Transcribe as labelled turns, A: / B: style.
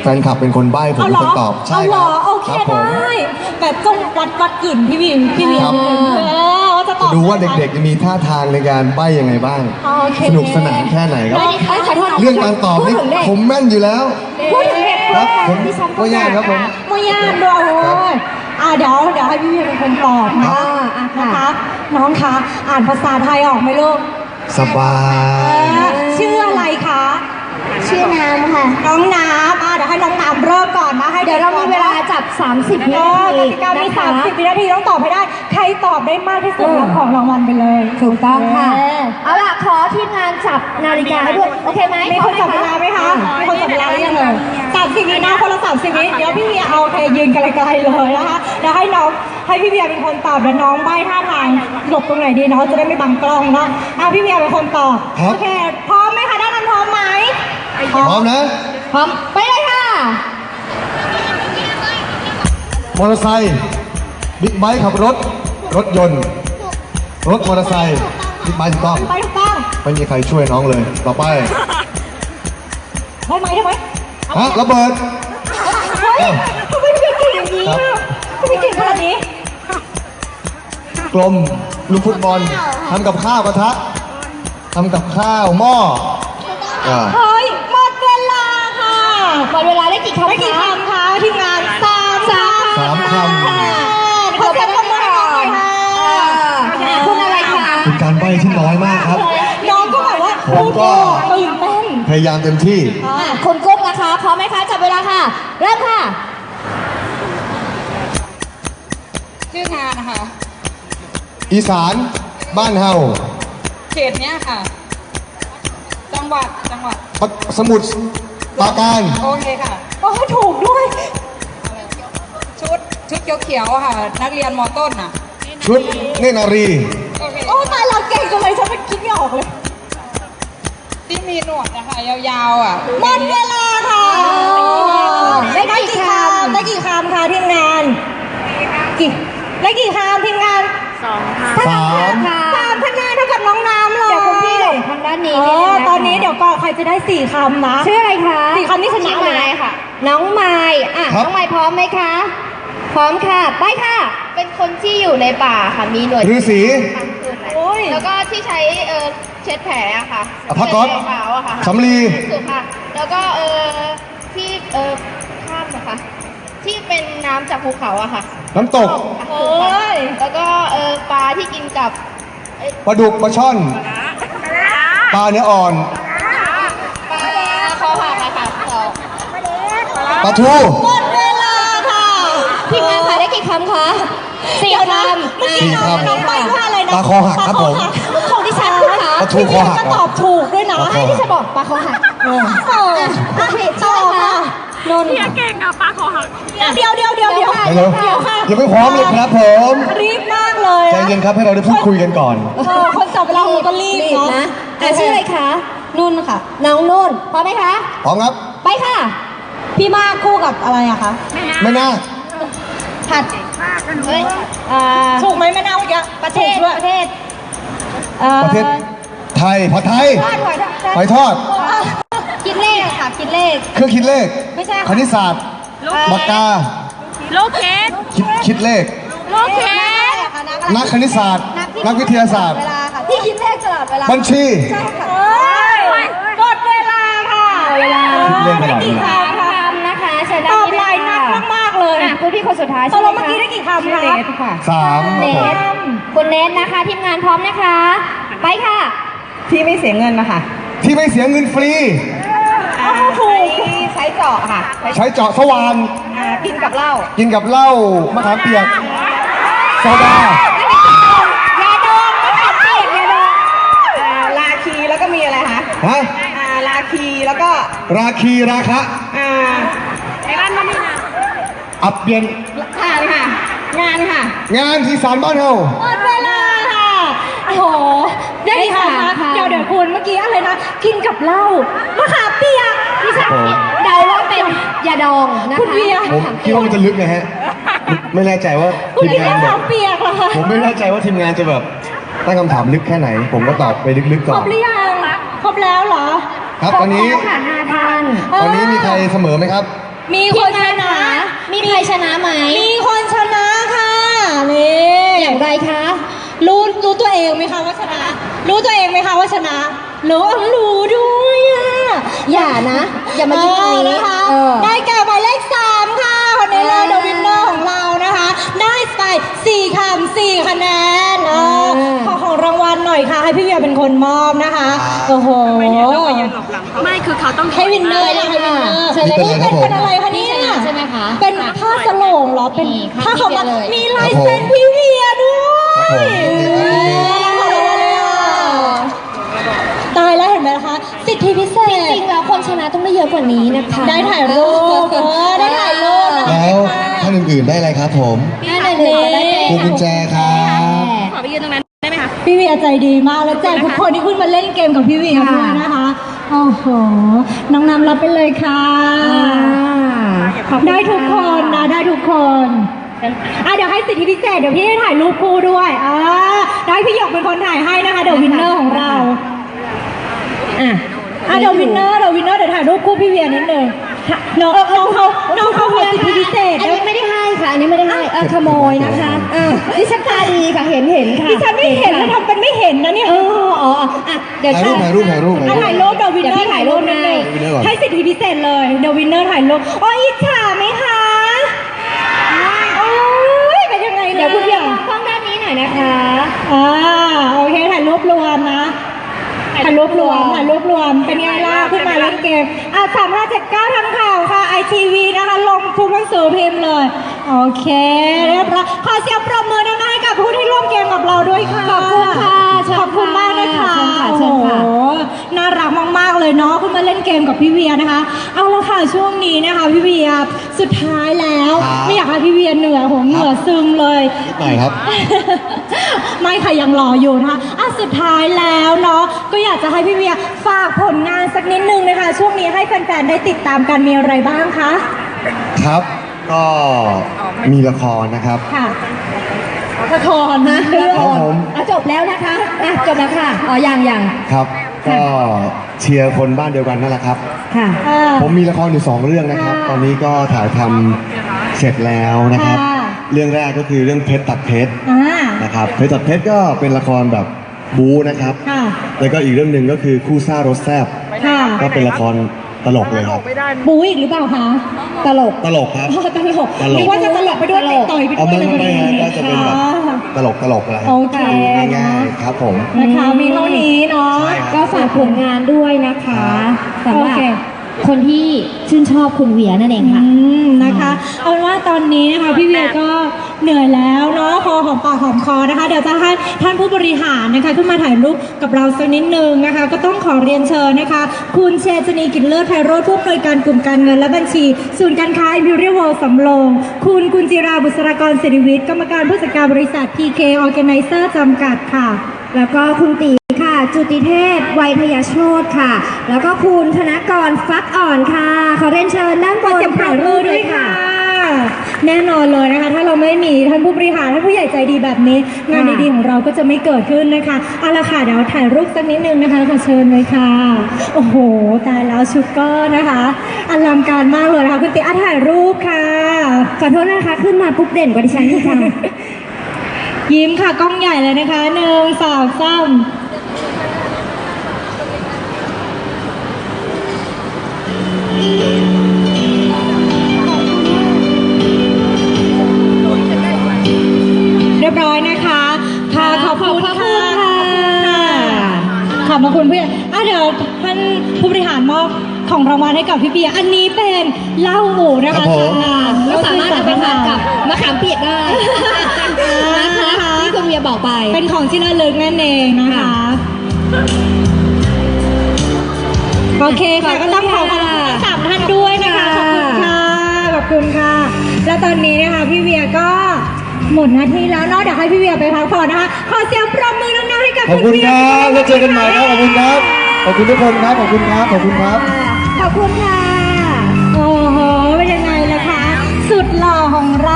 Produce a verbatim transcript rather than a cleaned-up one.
A: แฟนคลับเป็นคนใบ้ผมเป็นคนตอบ
B: ใช่ครับโอเคได้แบบจงวัดวัดกลิ่นพี่วินพี่วินว่าจะตอบ
A: ดูว่าเด็กๆจะมีท่าทางในการใบ้ยังไงบ้างสนุกสนานแค่ไหนครับเรื่องการตอบนี่ผมแม่นอยู่แล้วครับผมก็ยากครับผม
B: ไม่ยากด้วยอ่าเดี๋ยวเดี๋ยวให้พี่วินเป็นคนตอบนะนะคะน้องคะอ่านภาษาไทยออกไหมลูก
A: สบาย
B: ชื่ออะไรคะ
C: ชื่อน้ำค่ะ
B: น้องน้ำอ่ะเดี๋ยวให้น้องน้ำเริ่มก่อนนะให้
C: เดี๋ยวเรามีเวลาจับสามสิบวินาที
B: กติกามีสามสิบวินาทีต้องตอบให้ได้ใครตอบได้มากที่สุดรับของรางวัลไปเลย
C: ถูกต้องค่ะเอาล่ะขอทีมงานจับนาฬิกาให้ด้วยโอเคไหม
B: มีคนจับเวลาไหมคะมีคนจับเวลาหรือยังเลยสามสิบวินะคนละสามสิบวิเดี๋ยวพี่เบียร์เอาใครยืนไกลๆเลยนะคะเดี๋ยวให้น้องให้พี่เบียร์เป็นคนตอบเดี๋ยวน้องใบ้ท่าทางหลบตรงไหนดีเนาะจะได้ไม่บังกล้องเนาะอ่ะพี่เบียร์เป็นคนตอบโอเคพร้อมไหมคะด้านนั้นพร้อมไหม
A: พร้อมนะ
C: พร้อมไปเลยค่ะ
A: มอเตอร์ไซค์บิ๊กไบค์ขับรถรถยนต์รถมอเตอร์ไซค์บิ๊กไบค์ถูกต้อง
B: ไปถูกต้อง
A: ไม่มีใครช่วยน้องเลยต่อไป
B: ได้ไหมได้ไหม
A: ฮะระเบิด
B: เฮ้ยทำไมพี่เก่งอย่างนี้ทำไมเก่งขนาดนี้
A: กลมลูกฟุตบอลทำกับข้าวกระทะทำกับข้าวหม้อ
B: เฮ้ยหมดเวลาค่ะ
C: หมดเวลาได้กี่คำ
B: ได้กี่คำคะทีมงานสาม
A: สามค
B: ำเขาจะทำอะไรคะ
C: คุณอะไรคะ
A: เป็นการใบ้ที่น้อยมากครับ
B: น้องก็แบบว่า
A: ผมก็
B: ตื่นเต้น
A: พยายามเต็มที่
C: คุณกุ๊กนะคะพร้อมไหมคะจับเวลาค่ะเริ่มค่ะ
D: ชื่องานนะคะ
A: อีสานบ้านเฮา
D: เขตเนี้ยค่ะจังหวัดจังหวัด
A: สมุทรปราการ
D: โอเคค่ะ
B: โอ้ถูกด้วย
D: ชุดชุดเขียวๆค่ะนักเรียนม.ต้นอ่ะ
A: ชุดเนตรนารี
B: โอ้ตายเราเก่งจังเลยฉันไม่คิดไม่ออกเลย
D: ที่มีหนวดนะคะยาวๆอ่ะ
B: หมดเวลาค่ะได้กี่คำได้กี่คำคะทีมงานกี่ได้กี่คำทีมงาน
C: สองค่ะ
A: สาม
B: สามคะแนนเท่ากับน้องน้ำเลย
C: เดี๋ยวคุณพี่หลงทางด้านนี้
B: ตอนนี้เดี๋ยวก่อนใครจะได้สี่คำนะ
C: ชื่ออะไรคะ
B: สี่คำนี่ชนะเลย
C: ค่ะน้องไม้อ่ะน้องไม้พร้อมไหมคะพร้อมค่ะไปค่ะเป็นคนที่อยู่ในป่าค่ะมีหน่วย
A: ฤาษี
C: แล้วก็ที่ใช้เออเช็ดแผลอะค่ะ
A: พักก๊อตสำลี
C: ถูกค่ะแล้วก็เออที่เออข้ามนะคะที่เป็นน้ำจากภูเขาอะค่ะ
A: น้ำตก
C: แล้วก็เออปลาที่กินกับ
A: ปลาดุกปลาช่อนปลาเนื้ออ่อน
C: ปลาคอหักอะค่ะ
A: ปลาทู
B: หมดเวลาค่ะ
C: ทีมงานค่ะได้กี่คำคะสี่คำ
A: สี่คำ
B: น้องไปว่าอะไรนะ
A: ปลาคอหักครับผม
B: ของดิฉันนะคะ
A: ปลาทูคอหัก
B: ก็ตอบถูกด้วยนะ
C: ที่จะบอกปลาคอหัก
B: โอ้ผิดต่อค่ะ
D: นนท์เก่งอะปลาคอหัก
B: เดี๋ยวเดี๋ยวเดี๋ยวเดี๋ยว
A: เดี๋ยวยังไม่พร้อมเลยครับผม
B: รีบมากเลย
A: ใจเย็นครับให้เราได้พูดคุยกันก่อน
B: คนจับเวลาเราก็รีบ
C: นะชื่ออะไรคะนุ่นค่ะน้องนุ่นพร้อมไหมคะ
A: พร้อมครับ
C: ไปค่ะ
B: พี่มากคู่กับอะไรอะคะ
A: ไม่น่า
B: ผัดเฮ้ยถูกไหมไม่น่าเมื่อกี้ประเทศประเทศ
A: ประเทศไทยผัดไทยหอยทอด
B: คิดเลขค่ะคิดเลข
A: เครื่องคิดเลข
B: ไม่ใช่
A: คณิตศาสตร์ปากกา
D: โลเคส
A: คิดคิดเลข
D: โลเคส
A: นักคณิตศาสตร์นักวิทยาศาสตร์
B: ที่คิดเลขตลอดเวลา
A: บัญชี
B: ใช่ค่ะหมดเวลาค่ะ
C: เวลา
A: คิดเลขตลอดเวลา
C: นะคะเชิญ
B: ตอบหลายนักมากๆเลย
C: คุณพี่คนสุดท้าย
B: ตกลงเมื่อกี้ได้กี่คำคะ
A: สาม
C: เนทคุณเนทนะคะทีมงานพร้อมนะคะไปค่ะ
B: ที่ไม่เสียเงินนะคะ
A: ที่ไม่เสียเงินฟรี
B: ถูกใช้เจาะค่ะ
A: ใช้เจาะสว่าน
B: กินกับเหล้า
A: กินกับเหล้ามะขามเปียกโซดาย
B: าดองมะขามเปียกยาดองลาคีแล้วก็มีอะไรคะ
A: ฮะ
B: ลาคีแล้วก็
A: ราคีราคะ
B: อ่า
D: ไอ้ร้านมันนี่นะ
A: อับเปลี่ยน
B: งานค่ะงานค่ะ
A: งานที่ศาลบ้านเฮา
B: หมดเวลาค่ะโอ้โหได้ค่ะเดี๋ยวเดี๋ยวคุณเมื่อกี้อะไรนะกินกับเหล้ามะขามเปียก
C: ดิฉันเดาว่าเป็นยาดองนะคะ
B: คุณเบียร์
A: ผมคิดว่ามันจะลึกนะฮะไม่แน่ใจว่าทีมงานแบบผมไม่แน่ใจว่าทีมงานจะแบบตั้งคำถามลึกแค่ไหนผมก็ตอบไปลึกๆก่อน
B: ครบหรือยังครบแล้วเหรอ
A: ครับตอนนี้ตอนนี้มีใครเสมอไหมครับ
B: มีคนชนะ
C: มีใครชนะไหม
B: มีคนชนะค่ะนี่
C: อย่างไรคะ
B: รู้รู้ตัวเองไหมคะว่าชนะ รู้ตัวเองไหมคะว่าชนะ รู้รู้ด้วยอ่ะ
C: อย่านะ อย่ามายิ้มตรงนี้
B: เออนะคะ
C: เออ
B: ได้แก่หมายเลขสามค่ะคนนี้เลยเดอะวินเนอร์ของเรานะคะ ได้ไปสี่คำสี่คะแนนเออขอของรางวัลหน่อยค่ะ ให้พี่เวียเป็นคนมอบนะคะโอ้โห
E: ไม่คือเขาต้อง
B: ให้วินเนอร์นะให้วินเนอร์
C: เชิญเลย
B: นี่
C: ค่ะ
B: เป็นเป็นอะไรคะเนี่ย
C: นี่ชนะใช่ไหมคะ
B: เป็นผ้าสโลงเหรอเป็น
C: นี่ค่ะ
B: ผ้าขาวม้า
C: พี่เวียเลย
B: มีลายเซ็นพี่เวียด้วย
A: ครับผม
B: ตายแล้วเห็นไหมคะสิทธิพิเศ
C: จ
B: ษ
C: ริงๆแล้วคนชนะต้องได้เยอะกว่านี้นะคะ
B: ได้ถ่ายรูปเออได้ถ่ายรูปนะคะ
A: แล้วท่านอื่นๆได้อะไรครับผม
C: ได้เลยได้เลย
A: พวงกุญแจครับ
E: ขอไปยืนตรงนั้นได้ไหมคะ
B: พี่เวียใจดีมากแล้วแจกทุกคนที่ขึ้นมาเล่นเกมกับพี่เวียด้วยนะคะโอ้โหน้องนำรับไปเลยค่ะ ได้ทุกคนนะได้ทุกคนอ่ะเดี๋ยวให้สิทธิพิเศษเดี๋ยวพี่ให้ถ่ายรูปคู่ด้วยอ่าได้พี่หยกเป็นคนถ่ายให้นะคะเดี๋ยววินเนอร์ของเราอ่ะอ่ะเดี๋ยววินเนอร์เดี๋ยววินเนอร์เดี๋ยวถ่ายรูปคู่พี่เวียนิดนึงน้องน้องเขาน้องเขาขอสิทธิพิเศษ
C: อันนี้ไม่ได้ให้ค่ะ อันนี้ไม่ได้ให้เออขโมยนะคะเออดิฉันตาดีค่ะเห็นเห็นค่ะ
B: ดิฉันไม่เห็นแล้วทำเป็นไม่เห็นนะเนี่ย
C: เอออ๋ออ่ะเดี๋ยว
A: ถ่ายรูปถ่ายรูปถ่ายรูป
B: อ่ะถ่ายรูปเดี๋ยววินเนอ
C: เดี๋ยวพี่
B: ร์
C: ถ่า
B: ถ่าย ย
C: รู
B: รู
C: ป
B: ปนิดนึง
A: วินเนอร์ก่อน
B: ให้สิทธิพิเศษเลยเดี๋ยววินเนอร์ถ่ายรูปโอ้ยอิจฉาไหมคะโอ้ยเป็นยังไง
C: เดี๋ยวคุณเพียง
B: ล่ะ
C: กล้องด้านนี้หน่อยนะคะ
B: อ่าโอเคถ่ายรูปรวมนะถ่ายรูปรวมถ่ายรูปรวมเป็นไงล่ะขึ้นมาเล่นเกมอ่ะสามห้าเจ็ดเก้าทำข่าวค่ะไอทีวีนะคะลงทุกหนังสือพิมพ์เลยโอเคเรียบร้อยขอเสียงปรบมือดังๆให้กับผู้ที่ร่วมเกมกับเราด้วยค่ะ
C: ขอบคุณค่ะเชิญค่ะ
B: ขอบคุณมากนะคะ
C: เชิญค่ะเชิญค่ะ
B: โอ้โหน่ารักมากๆเลยเนาะขึ้นมาเล่นเกมกับพี่เวียนะคะ เอาละค่ะช่วงนี้นะคะพี่เวียสุดท้ายแล้ว
A: ครับ
B: ไม่อยากให้พี่เวียเหนื่อยหัวเหงื่อซึมเลย
A: นิดหน่อยครับ
B: ไม่ค่ะยังรออยู่นะคะอ่ะสุดท้ายแล้วเนาะก็อยากจะให้พี่เวียฝากผลงานสักนิดนึงนะคะ ช่วงนี้ให้แฟนๆได้ติดตามกันมีอะไรบ้างคะ
A: ครับ ก็มีละครนะครับ
B: ค่ะละครนะ
A: ครับผม
C: อ่ะจบแล้วนะคะอ่ะจบแล้วค่ะอ๋อยังยัง
A: ครับ ก็เชียร์คนบ้านเดียวกันนั่นแหละครับ
C: ค่ะ
B: อ่า
A: ผมมีละครอยู่สองเรื่องนะครับ
B: ค่ะ
A: ตอนนี้ก็ถ่ายทำเสร็จแล้วนะครับ
B: ค่ะ
A: เรื่องแรกก็คือเรื่องเพชรตัดเพชร
B: อ่า
A: นะครับ เพชรตัดเพชรก็เป็นละครแบบบู๊นะครับ
B: ค่ะ
A: แล้วก็อีกเรื่องหนึ่งก็คือคู่ซ่ารถแซบ
B: ค่ะ
A: ก็เป็นละครตลกเลยครับ
B: บูอีกหรือเปล่าคะ
C: ตลก
A: ตลกครับ
B: อ๋อตลก
A: ตลก
B: นึกว่าจะตลกไปด้วย
C: ตลก
B: ต่อยไป
A: เอา
B: ด้วย
A: ไม่
B: เลย
A: ไม่ไม่ฮะก็จะเป็นแบบ
B: ค่ะ
A: ตลกตลกอะไร
B: โอเค
A: ดูง่ายๆครับผม
B: นะคะมีเท่านี้เนาะ
A: ใช่ครับ
C: ก็ฝากผลงานด้วยนะคะสำหรับ
B: โอเค
C: คนที่ชื่นชอบคุณเวียนั่นเองค่ะ
B: อืมนะคะเอาเป็นว่าตอนนี้นะคะพี่เวียก็เหนื่อยแล้วเนาะพอหอมปากหอมคอนะคะ เดี๋ยวจะให้ท่านผู้บริหารนะคะขึ้นมาถ่ายรูปกับเราสักนิดนึงนะคะ ก็ต้องขอเรียนเชิญนะคะ คุณเชษณีกิจเลิศไพโรจน์ผู้อำนวยการกลุ่มการเงินและบัญชี ศูนย์การค้า Imperial World สำโรง คุณกุญจิราบุษรากรศิริวิทย์กรรมการผู้จัดการบริษัท พี เค Organizer จำกัดค่ะ
C: แล้วก็คุณตีค่ะ จุติเทพไวยทยโชตค่ะ แล้วก็คุณธนกรฟักอ่อนค่ะ ขอเรียนเชิญด้านบน
B: เสียงปรบมือด้วยค่ะ แน่นอนเลยนะคะ ถ้าเราไม่มีท่านผู้บริหารท่านผู้ใหญ่ใจดีแบบนี้ งานดีๆของเราก็จะไม่เกิดขึ้นนะคะเอาละค่ะเดี๋ยวถ่ายรูปสักนิดนึงนะคะขอเชิญเลยค่ะ โอ้โหตายแล้วชุดก็นะคะอลังการมากเลยนะคะคุณติอาถ่ายรูปค่ะ
C: ขอโทษนะคะ ขึ้นมาปุ๊บเด่นกว่าดิฉันที่ท
B: ยิ้มค่ะกล้องใหญ่เลยนะคะหนึ่งสองสามเรียบร้อยนะคะค่ะขอบคุณค่ะขอบพระคุณเพื่อนอ่ะเดี๋ยวท่านผู้บริหารมอบของรางวัลให้กับพี่เบียร์อันนี้เป็นเหล้าหมูนะ
A: ครั
B: คะ
A: บผม
C: ำก็สามารถเอาไปทานกับมะขามเปียกได้นะคะที่คุณเวียบอกไป
B: เป็นของที่ระลึกนั่นเองนะคะ โอเคค่ะก็ต้องขอบคุณทั้งสามท่านด้วยนะคะ ขอบคุณค่ะ ขอบคุณค่ะ แล้วตอนนี้นะคะพี่เวียก็หมดหน้าที่แล้วเนาะเดี๋ยวให้พี่เวียไปพักผ่อนนะคะ ขอเสียงปรบมือดังๆให้กับ
A: ขอบคุณ
B: เวีย
A: ครับแล้วเจอกันใหม่ครับ ขอบคุณครับ ขอบคุณทุกคนครับ ขอบคุณครับ ขอบคุณครับ
C: ขอบคุณค่ะ
B: โอ้โหเป็นยังไงล่ะคะ สุดหล่อของเรา